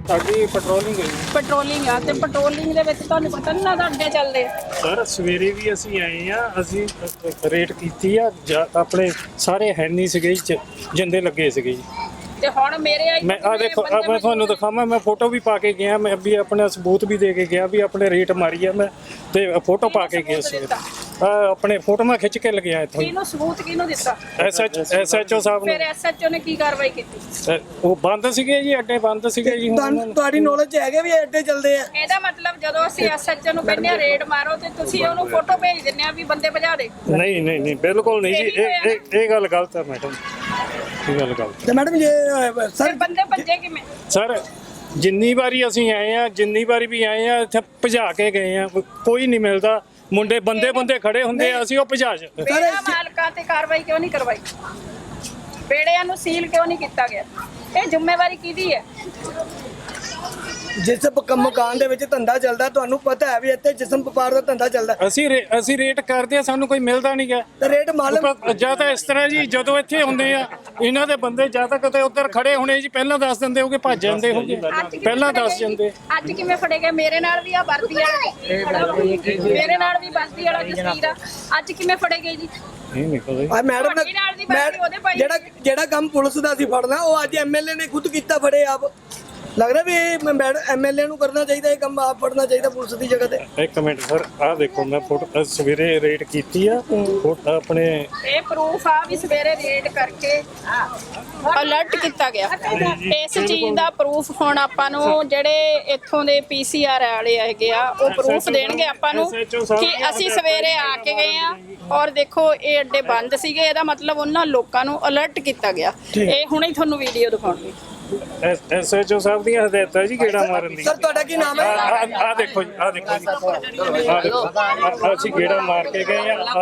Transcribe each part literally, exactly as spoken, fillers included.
ਸਾਡੀ ਪੈਟਰੋਲਿੰਗ ਹੈ ਪੈਟਰੋਲਿੰਗ ਆ ਤੇ ਪੈਟਰੋਲਿੰਗ ਦੇ ਵਿੱਚ ਤੁਹਾਨੂੰ ਪਤਾ ਨਹੀਂ ਲੱਗਦਾ ਅੱਡੇ ਚੱਲਦੇ ਆ। ਸਰ ਸਵੇਰੇ ਵੀ ਅਸੀਂ ਆਏ ਆ, ਅਸੀਂ ਰੇਟ ਕੀਤੀ ਆ, ਆਪਣੇ ਸਾਰੇ ਹੈ ਨਹੀਂ ਸੀਗੇ ਜੀ, ਜਿੰਦੇ ਲੱਗੇ ਸੀਗੇ ਜੀ। ਤੇ ਹੁਣ ਮੇਰੇ ਆਈ ਮੈਂ ਆ ਦੇਖੋ ਆ ਮੈਂ ਤੁਹਾਨੂੰ ਦਿਖਾਵਾਂ, ਮੈਂ ਫੋਟੋ ਵੀ ਪਾ ਕੇ ਗਿਆ, ਮੈਂ ਵੀ ਆਪਣਾ ਸਬੂਤ ਵੀ ਦੇ ਕੇ ਗਿਆ ਵੀ ਆਪਣੇ ਰੇਟ ਮਾਰੀ ਆ ਮੈਂ, ਤੇ ਫੋਟੋ ਪਾ ਕੇ ਗਿਆ ਸੀ। ਆ ਆਪਣੇ ਫੋਟੋ ਮੈਂ ਖਿੱਚ ਕੇ ਲਗਿਆ ਇੱਥੋਂ। ਕਿਹਨੂੰ ਸਬੂਤ ਕਿਹਨੂੰ ਦਿੱਤਾ? ਐਸਐਚ ਐਸਐਚਓ ਸਾਹਿਬ ਨੇ। ਫਿਰ ਐਸਐਚਓ ਨੇ ਕੀ ਕਾਰਵਾਈ ਕੀਤੀ? ਉਹ ਬੰਦ ਸੀਗੇ ਜੀ, ਅੱਡੇ ਬੰਦ ਸੀਗੇ ਜੀ। ਤੁਹਾਡੀ ਨੌਲੇਜ ਹੈਗੇ ਵੀ ਅੱਡੇ ਚੱਲਦੇ ਆ? ਇਹਦਾ ਮਤਲਬ ਜਦੋਂ ਅਸੀਂ ਐਸਐਚਓ ਨੂੰ ਕਹਿੰਦੇ ਆ ਰੇਡ ਮਾਰੋ ਤੇ ਤੁਸੀਂ ਉਹਨੂੰ ਫੋਟੋ ਭੇਜ ਦਿੰਦੇ ਆ ਵੀ ਬੰਦੇ ਭਜਾ ਦੇ। ਨਹੀਂ ਨਹੀਂ ਨਹੀਂ ਬਿਲਕੁਲ ਨਹੀਂ ਜੀ, ਇਹ ਇਹ ਇਹ ਗੱਲ ਗਲਤ ਹੈ ਮੈਡਮ, ਇਹ ਗੱਲ ਗਲਤ ਤੇ ਮੈਡਮ ਜੇ ਸਰ ਬੰਦੇ ਭੱਜੇ ਕਿਵੇਂ? ਸਰ ਜਿੰਨੀ ਵਾਰੀ ਅਸੀਂ ਆਏ ਆ, ਜਿੰਨੀ ਵਾਰੀ ਵੀ ਆਏ ਆ, ਇੱਥੇ ਭਜਾ ਕੇ ਗਏ ਆ, ਕੋਈ ਨਹੀਂ ਮਿਲਦਾ। ਮੁੰਡੇ ਬੰਦੇ ਬੰਦੇ ਖੜੇ ਹੁੰਦੇ ਆ, ਅਸੀਂ ਉਹ ਭਜਾ ਚ ਬੇੜਾ ਮਾਲਕਾਂ ਤੇ ਕਾਰਵਾਈ ਕਿਉਂ ਨਹੀਂ ਕਰਵਾਈ? ਬੇੜਿਆਂ ਨੂੰ ਸੀਲ ਕਿਉਂ ਨਹੀਂ ਕੀਤਾ ਗਿਆ? ਇਹ ਜ਼ਿੰਮੇਵਾਰੀ ਕਿਹਦੀ ਹੈ? ਜਿਸ ਮਕਾਨ ਦੇ ਵਿੱਚ ਧੰਦਾ ਚੱਲਦਾ, ਤੁਹਾਨੂੰ ਪਤਾ ਹੈ ਵੀ ਇੱਥੇ ਜਿਸਮ ਵਪਾਰ ਦਾ ਧੰਦਾ ਚੱਲਦਾ, ਅਸੀਂ ਅਸੀਂ ਰੇਟ ਕਰਦੇ ਆ, ਸਾਨੂੰ ਕੋਈ ਮਿਲਦਾ ਨਹੀਂ ਗਾ। ਤੇ ਰੇਟ ਮਾਲਕ ਜਾਂ ਤਾਂ ਇਸ ਤਰ੍ਹਾਂ ਜੀ, ਜਦੋਂ ਇੱਥੇ ਹੁੰਦੇ ਆ ਇਹਨਾਂ ਦੇ ਬੰਦੇ ਜਾਂ ਤਾਂ ਕਿਤੇ ਉੱਧਰ ਖੜੇ ਹੋਣੇ ਜੀ, ਪਹਿਲਾਂ ਦੱਸ ਦਿੰਦੇ ਹੋਗੇ, ਭੱਜ ਜਾਂਦੇ ਹੋਗੇ, ਪਹਿਲਾਂ ਦੱਸ ਜਾਂਦੇ। ਅੱਜ ਕਿਵੇਂ ਫੜੇ ਗਏ? ਮੇਰੇ ਨਾਲ ਵੀ ਆ ਵਰਦੀ ਵਾਲਾ, ਮੇਰੇ ਨਾਲ ਵੀ ਵਰਦੀ ਵਾਲਾ ਜਸਵੀਰ ਆ, ਅੱਜ ਕਿਵੇਂ ਫੜੇ ਗਏ ਜੀ? ਨਹੀਂ ਨਹੀਂ ਪਤਾ ਆ ਮੈਡਮ ਨੇ ਜਿਹੜਾ ਜਿਹੜਾ ਕੰਮ ਪੁਲਿਸ ਦਾ ਸੀ ਫੜਨਾ, ਉਹ ਅੱਜ ਐਮਐਲਏ ਨੇ ਖੁਦ ਕੀਤਾ, ਫੜੇ ਆਪ। ਲੱਗਦਾ ਵੀ ਮੈਡਮ ਐਮਐਲਏ ਨੂੰ ਕਰਨਾ ਚਾਹੀਦਾ ਇਹ ਕੰਮ, ਆਪ ਫੜਨਾ ਚਾਹੀਦਾ ਪੁਲਿਸ ਦੀ ਜਗ੍ਹਾ ਤੇ। ਇੱਕ ਮਿੰਟ ਸਰ, ਆਹ ਦੇਖੋ ਮੈਂ ਫੋਟੋ ਸਵੇਰੇ ਰੇਟ ਕੀਤੀ ਆ, ਫੋਟੋ ਆਪਣੇ ਇਹ ਪ੍ਰੂਫ ਆ ਵੀ ਸਵੇਰੇ ਰੇਡ ਕਰਕੇ ਅਲਰਟ ਕੀਤਾ ਗਿਆ। ਇਸ ਚੀਜ਼ ਦਾ ਪ੍ਰੂਫ ਹੁਣ ਆਪਾਂ ਨੂੰ ਜਿਹੜੇ ਇੱਥੋਂ ਦੇ ਪੀਸੀਆਰ ਵਾਲੇ ਹੈਗੇ ਆ, ਉਹ ਪ੍ਰੂਫ ਦੇਣਗੇ ਆਪਾਂ ਨੂੰ ਕਿ ਅਸੀਂ ਸਵੇਰੇ ਆ ਕੇ ਗਏ ਆ ਔਰ ਦੇਖੋ ਇਹ ਅੱਡੇ ਬੰਦ ਸੀਗੇ। ਇਹਦਾ ਮਤਲਬ ਉਹਨਾਂ ਲੋਕਾਂ ਨੂੰ ਅਲਰਟ ਕੀਤਾ ਗਿਆ। ਇਹ ਹੁਣੇ ਹੀ ਤੁਹਾਨੂੰ ਵੀਡੀਓ ਦਿਖਾਉਣਗੇ। ਐਸਐਚਓ ਸਾਹਿਬ ਦੀਆਂ ਹਦਾਇਤਾਂ ਜੀ ਗੇੜਾ ਮਾਰਨ ਦੀ। ਸਰ ਤੁਹਾਡਾ ਕੀ ਨਾਮ ਹੈ? ਆ ਦੇਖੋ ਜੀ, ਆ ਦੇਖੋ ਜੀ, ਆ ਦੇਖੋ ਅਸੀਂ ਗੇੜਾ ਮਾਰ ਕੇ ਗਏ ਆ। ਆ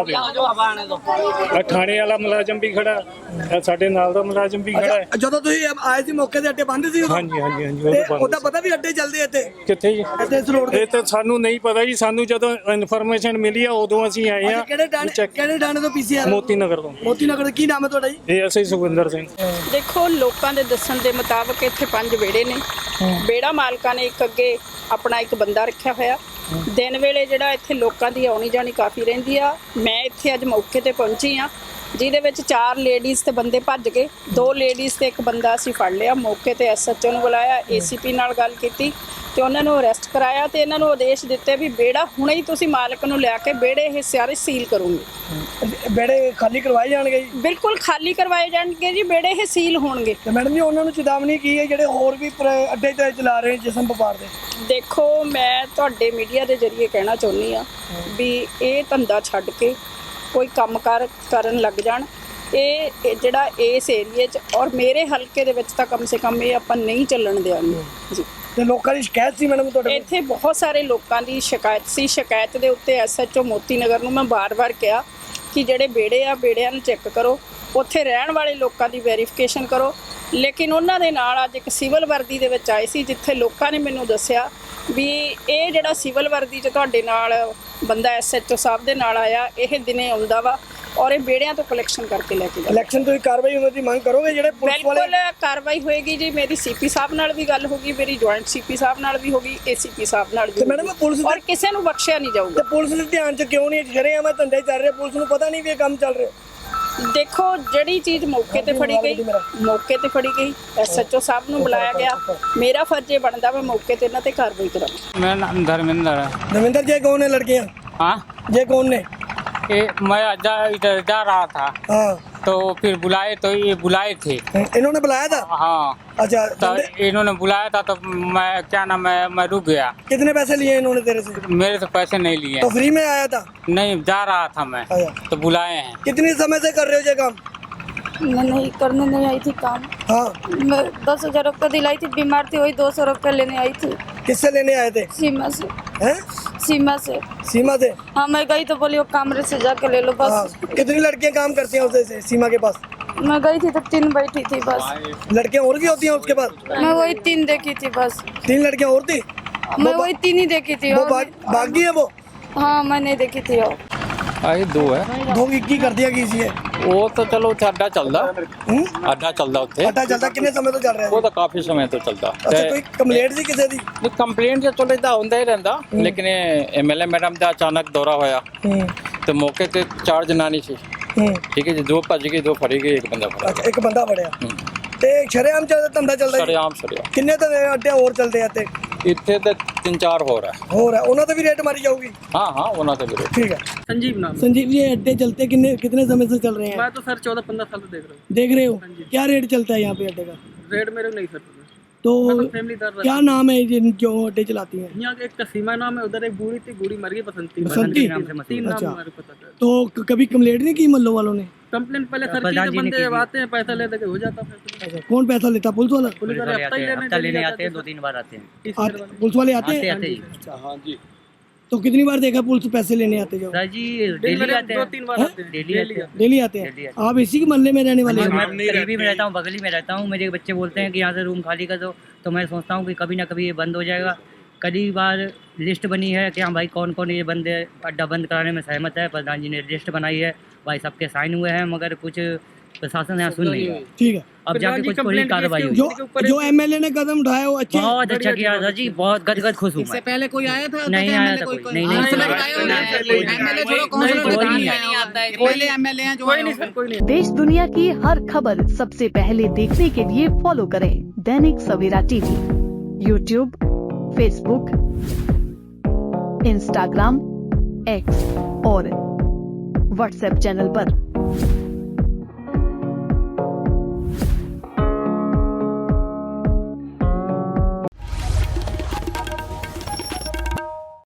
ਦੇਖੋ ਥਾਣੇ ਵਾਲਾ ਮੁਲਾਜ਼ਮ ਵੀ ਖੜਾ, ਸਾਡੇ ਨਾਲ ਦਾ ਮੁਲਾਜ਼ਮ ਵੀ ਖੜਾ ਹੈ। ਜਦੋਂ ਤੁਸੀਂ ਆਏ ਸੀ ਮੌਕੇ ਤੇ ਅੱਡੇ ਬੰਦ ਸੀ? ਹਾਂਜੀ ਹਾਂਜੀ ਹਾਂਜੀ। ਉਹਦਾ ਪਤਾ ਵੀ ਅੱਡੇ ਚੱਲਦੇ ਇੱਥੇ ਕਿੱਥੇ ਜੀ? ਇੱਥੇ ਇਸ ਰੋਡ ਤੇ। ਇਹ ਤਾਂ ਸਾਨੂੰ ਨਹੀਂ ਪਤਾ ਜੀ, ਸਾਨੂੰ ਜਦੋਂ ਇਨਫੋਰਮੇਸ਼ਨ ਮਿਲੀ ਆ ਉਦੋਂ ਅਸੀਂ ਆਏ ਆ। ਕਿਹੜੇ ਥਾਣੇ ਕਿਹੜੇ ਥਾਣੇ ਤੋਂ ਪੀਸੀਆਰ? ਮੋਤੀ ਨਗਰ ਤੋਂ। ਮੋਤੀ ਨਗਰ। ਕੀ ਨਾਮ ਹੈ ਤੁਹਾਡਾ ਜੀ? ਇਹ ਅਸੀਂ ਸੁਖਵਿੰਦਰ ਸਿੰਘ। ਦੇਖੋ ਲੋਕਾਂ ਦੇ ਦੱਸਣ ਦੇ ਮੁਤਾਬਕ ਇੱਥੇ ਪੰਜ ਵਿਹੜੇ ਨੇ। ਵਿਹੜਾ ਮਾਲਕਾਂ ਨੇ ਇੱਕ ਅੱਗੇ ਆਪਣਾ ਇੱਕ ਬੰਦਾ ਰੱਖਿਆ ਹੋਇਆ। ਦਿਨ ਵੇਲੇ ਜਿਹੜਾ ਇੱਥੇ ਲੋਕਾਂ ਦੀ ਆਉਣੀ ਜਾਣੀ ਕਾਫੀ ਰਹਿੰਦੀ ਆ। ਮੈਂ ਇੱਥੇ ਅੱਜ ਮੌਕੇ ਤੇ ਪਹੁੰਚੀ ਆ, ਜਿਹਦੇ ਵਿੱਚ ਚਾਰ ਲੇਡੀਜ਼ ਤੇ ਬੰਦੇ ਭੱਜ ਗਏ। ਦੋ ਲੇਡੀਜ਼ ਤੇ ਇੱਕ ਬੰਦਾ ਅਸੀਂ ਫੜ ਲਿਆ। ਮੌਕੇ ਤੇ ਐਸਐਚਓ ਨੂੰ ਬੁਲਾਇਆ, ਏਸੀਪੀ ਨਾਲ ਗੱਲ ਕੀਤੀ ਤੇ ਉਹਨਾਂ ਨੂੰ ਅਰੈਸਟ ਕਰਾਇਆ ਤੇ ਇਹਨਾਂ ਨੂੰ ਆਦੇਸ਼ ਦਿੱਤੇ ਵੀ ਵਿਹੜਾ ਹੁਣੇ ਹੀ ਤੁਸੀਂ ਮਾਲਕ ਨੂੰ ਲਿਆ ਕੇ ਵਿਹੜੇ ਇਹ ਸਾਰੇ ਸੀਲ ਕਰੋਗੇ। ਵਿਹੜੇ ਖਾਲੀ ਕਰਵਾਏ ਜਾਣਗੇ ਜੀ? ਬਿਲਕੁਲ ਖਾਲੀ ਕਰਵਾਏ ਜਾਣਗੇ ਜੀ, ਵਿਹੜੇ ਇਹ ਸੀਲ ਹੋਣਗੇ। ਤੇ ਮੈਡਮ ਜੀ ਉਹਨਾਂ ਨੂੰ ਚੇਤਾਵਨੀ ਕੀ ਹੈ ਜਿਹੜੇ ਹੋਰ ਵੀ ਅੱਡੇ ਤੇ ਚਲਾ ਰਹੇ ਜਿਸਮ ਵਪਾਰ ਦੇ? ਦੇਖੋ ਮੈਂ ਤੁਹਾਡੇ ਮੀਡੀਆ ਦੇ ਜ਼ਰੀਏ ਕਹਿਣਾ ਚਾਹੁੰਦੀ ਆ ਵੀ ਇਹ ਧੰਦਾ ਛੱਡ ਕੇ ਕੋਈ ਕੰਮਕਾਰ ਕਰਨ ਲੱਗ ਜਾਣ। ਇਹ ਜਿਹੜਾ ਇਸ ਏਰੀਏ 'ਚ ਔਰ ਮੇਰੇ ਹਲਕੇ ਦੇ ਵਿੱਚ ਤਾਂ ਕਮ ਸੇ ਕਮ ਇਹ ਆਪਾਂ ਨਹੀਂ ਚੱਲਣ ਦਿਆਂਗੇ ਜੀ। ਤੇ ਲੋਕਾਂ ਦੀ ਸ਼ਿਕਾਇਤ ਸੀ ਮੈਡਮ ਤੁਹਾਡੇ? ਇੱਥੇ ਬਹੁਤ ਸਾਰੇ ਲੋਕਾਂ ਦੀ ਸ਼ਿਕਾਇਤ ਸੀ। ਸ਼ਿਕਾਇਤ ਦੇ ਉੱਤੇ ਐਸਐਚਓ ਮੋਤੀ ਨਗਰ ਨੂੰ ਮੈਂ ਬਾਰ-ਬਾਰ ਕਿਹਾ ਕਿ ਜਿਹੜੇ ਵਿਹੜੇ ਆ ਵਿਹੜਿਆਂ ਨੂੰ ਚੈੱਕ ਕਰੋ, ਉੱਥੇ ਰਹਿਣ ਵਾਲੇ ਲੋਕਾਂ ਦੀ ਵੈਰੀਫਿਕੇਸ਼ਨ ਕਰੋ। ਲੇਕਿਨ ਉਹਨਾਂ ਦੇ ਨਾਲ ਅੱਜ ਇੱਕ ਸਿਵਲ ਵਰਦੀ ਦੇ ਵਿੱਚ ਆਏ ਸੀ, ਜਿੱਥੇ ਲੋਕਾਂ ਨੇ ਮੈਨੂੰ ਦੱਸਿਆ ਵੀ ਇਹ ਜਿਹੜਾ ਸਿਵਲ ਵਰਦੀ 'ਚ ਤੁਹਾਡੇ ਨਾਲ ਬੰਦਾ ਐਸਐਚਓ ਸਾਹਿਬ ਦੇ ਨਾਲ ਆਇਆ, ਇਹ ਦਿਨੇ ਆਉਂਦਾ ਵਾ ਔਰ ਇਹ ਵਿਹੜਿਆਂ ਤੋਂ ਕਲੈਕਸ਼ਨ ਕਰਕੇ ਲੈ ਕੇ ਜਾਂਦਾ। ਇਲੈਕਸ਼ਨ ਤੋਂ ਕਾਰਵਾਈ ਉਹਨਾਂ ਦੀ ਮੰਗ ਕਰੋਗੇ ਜਿਹੜੇ ਪੁਲਿਸ ਵਾਲੇ? ਬਿਲਕੁਲ ਕਾਰਵਾਈ ਹੋਏਗੀ ਜੀ। ਮੇਰੀ ਸੀਪੀ ਸਾਹਿਬ ਨਾਲ ਵੀ ਗੱਲ ਹੋਗੀ, ਮੇਰੀ ਜੁਆਇੰਟ ਸੀਪੀ ਸਾਹਿਬ ਨਾਲ ਵੀ ਹੋਗੀ, ਏਸੀਪੀ ਸਾਹਿਬ ਨਾਲ ਵੀ। ਤੇ ਮੈਡਮ ਪੁਲਿਸ ਔਰ ਕਿਸੇ ਨੂੰ ਬਖਸ਼ਿਆ ਨਹੀਂ ਜਾਊਗਾ। ਤੇ ਪੁਲਿਸ ਦੇ ਧਿਆਨ 'ਚ ਕਿਉਂ ਨਹੀਂ? ਜਿਹੜੇ ਆਵਾਂ ਧੰਦੇ ਚੱਲ ਰਹੇ, ਪੁਲਿਸ ਨੂੰ ਪਤਾ ਨਹੀਂ ਵੀ ਇਹ ਕੰਮ ਚੱਲ ਰਿਹਾ? ਦੇਖੋ ਜਿਹੜੀ ਚੀਜ਼ ਮੌਕੇ ਤੇ ਫੜੀ ਗਈ, ਮੌਕੇ ਤੇ ਫੜੀ ਗਈ, ਐਸਐਚਓ ਸਾਹਿਬ ਨੂੰ ਬੁਲਾਇਆ ਗਿਆ। ਮੇਰਾ ਫਰਜ਼ ਇਹ ਬਣਦਾ ਮੈਂ ਮੌਕੇ ਤੇ ਇਹਨਾਂ ਤੇ ਕਾਰਵਾਈ ਕਰਾਂ। मेरा नाम धर्मेंद्र है। धर्मेंद्र जी कौन है लड़कियाँ? हाँ, ये कौन ने? ये मैं जा, इधर जा रहा था हाँ, तो फिर बुलाए, तो ये बुलाए थे। इन्होंने बुलाया था? हाँ, अच्छा, तो इन्होंने बुलाया था तो मैं क्या नाम है, मैं रुक गया। कितने पैसे लिए इन्होंने तेरे से? मेरे से पैसे नहीं लिए। तो फ्री में आया था? नहीं, जा रहा था मैं, अच्छा। तो बुलाए हैं। कितनी समय से कर रहे हो ये काम? मैं नहीं करने नहीं आई थी काम। हाँ, मैं दस हजार रुपये दिलाई थी, बीमार थी, वही दो सौ रुपये लेने आई थी। किससे लेने आए थे? सीमा से। हैं? सीमा से। सीमा से? हाँ, मैं गई तो बोली वो कमरे से जाके ले लो बस। हाँ। कितनी लड़कियां काम करती हैं उसे से, सीमा के पास? मैं गई थी तो तीन बैठी थी बस। लड़कियां और भी होती हैं उसके पास? मैं वही तीन देखी थी बस। तीन लड़कियां और थी? मैं वही तीन ही देखी थी। वो और भाग भाग गई है वो? हाँ, मैं नहीं देखी थी और ਆਹੀ ਦੋ ਹੈ। ਦੋ ਕੀ ਕੀ ਕਰਦੀਆਂ ਕੀ ਸੀ ਇਹ? ਉਹ ਤਾਂ ਚਲੋ ਉੱਥੇ ਅੱਡਾ ਚੱਲਦਾ, ਹੂੰ ਅੱਡਾ ਚੱਲਦਾ ਉੱਥੇ। ਅੱਡਾ ਚੱਲਦਾ ਕਿੰਨੇ ਸਮੇਂ ਤੋਂ ਚੱਲ ਰਿਹਾ ਉਹ ਜੀ? ਤਾਂ ਕਾਫੀ ਸਮੇਂ ਤੋਂ ਚੱਲਦਾ। ਅੱਛਾ, ਕੋਈ ਕੰਪਲੇਂਟ ਸੀ ਕਿਸੇ ਦੀ? ਕੰਪਲੇਂਟ ਤਾਂ ਚਲੋ ਇਦਾਂ ਹੁੰਦਾ ਹੀ ਰਹਿੰਦਾ, ਲੇਕਿਨ ਐਮਐਲਏ ਮੈਡਮ ਦਾ ਅਚਾਨਕ ਦੌਰਾ ਹੋਇਆ ਹੂੰ ਤੇ ਮੌਕੇ ਤੇ ਚਾਰ ਜਨਾਨੀ ਸੀ, ਹੂੰ ਠੀਕ ਹੈ ਜੀ। ਦੋ ਭੱਜ ਗਏ, ਦੋ ਫੜੀ ਗਏ, ਇੱਕ ਬੰਦਾ ਫੜਾ ਅੱਛਾ, ਇੱਕ ਬੰਦਾ ਫੜਿਆ। ਹੂੰ। ਤੇ ਸ਼ਰੇਆਮ ਚੱਲਦਾ ਧੰਦਾ ਚੱਲਦਾ ਜੀ? ਸਰਿਆਮ ਸਰਿਆਮ ਕਿੰਨੇ ਤਾਂ ਅੱਡੇ ਹੋਰ ਚੱਲਦੇ ਆ ਤੇ ਇੱਥੇ ਤੇ ਤਿੰਨ ਚਾਰ ਹੋਰ ਹੈ। ਹੋਰ ਹੈ, ਉਹਨਾਂ ਤੇ ਵੀ ਰੇਟ ਮਾਰੀ ਜਾਊਗੀ? हाँ हाँ होना तो बिल्कुल। ठीक है। संजीव नाम। संजीव जी, अड्डे चलते कितने कितने समय से चल रहे हैं? मैं तो सर चौदह पंद्रह साल से देख रहा हूँ। देख रहे हो क्या रेट चलता है यहाँ पे अड्डे का? रेट मेरे को नहीं सर पता। तो मैं तो फैमिली दर क्या नाम है जिन जो अड्डे चलाती हैं? यहाँ के एक कसीमा नाम है, उधर एक बूढ़ी थी, बूढ़ी मर गई बसंती। बसंती? तीन नाम अच्छा। हमारे पता था। तो क- कभी कंप्लेंट नहीं की मल्लो वालों ने? कंप्लेंट पहले सर की, जब बंदे जब आते हैं पैसा ले दे के हो जाता फैसला। अच्छा, कौन पैसा लेता? पुलिस वाला? पुलिस वाले हफ्ता ही लेने लेने आते हैं, दो तीन बार आते हैं। तीन आते- पुलिस वाले आते हैं? आते हैं हाँ जी। तो कितनी बार देखा पुलिस पैसे लेने आते जो? सर जी डेली आते दो हैं, तीन बार आते हैं। डेली आते हैं। डेली आते डेली हैं। आते आप इसी के मोहल्ले में रहने वाले हैं? मैं करीबी में रहता हूँ, बगली में रहता हूँ। मेरे बच्चे बोलते हैं कि यहाँ से रूम खाली कर दो, तो मैं सोचता हूँ कि कभी ना कभी ये बंद हो जाएगा। कई बार लिस्ट बनी है कि हाँ भाई कौन कौन ये बंदे अड्डा बंद कराने में सहमत है। प्रधान जी ने लिस्ट बनाई है, भाई सबके साइन हुए हैं, मगर कुछ प्रशासन यहाँ सुन नहीं रहा। ठीक है। अब जाके कुछ कोई कार्रवाई हुई। जो जो एमएलए ने कदम उठाया वो अच्छे बहुत अच्छा किया सर जी, बहुत गदगद खुश हूँ मैं। पहले कोई आया था? नहीं आया था कोई, नहीं नहीं कोई नहीं सर, कोई नहीं। देश दुनिया की हर खबर सबसे पहले देखने के लिए फॉलो करें Dainik Savera TV, YouTube, Facebook, Instagram, X और व्हाट्सएप चैनल पर।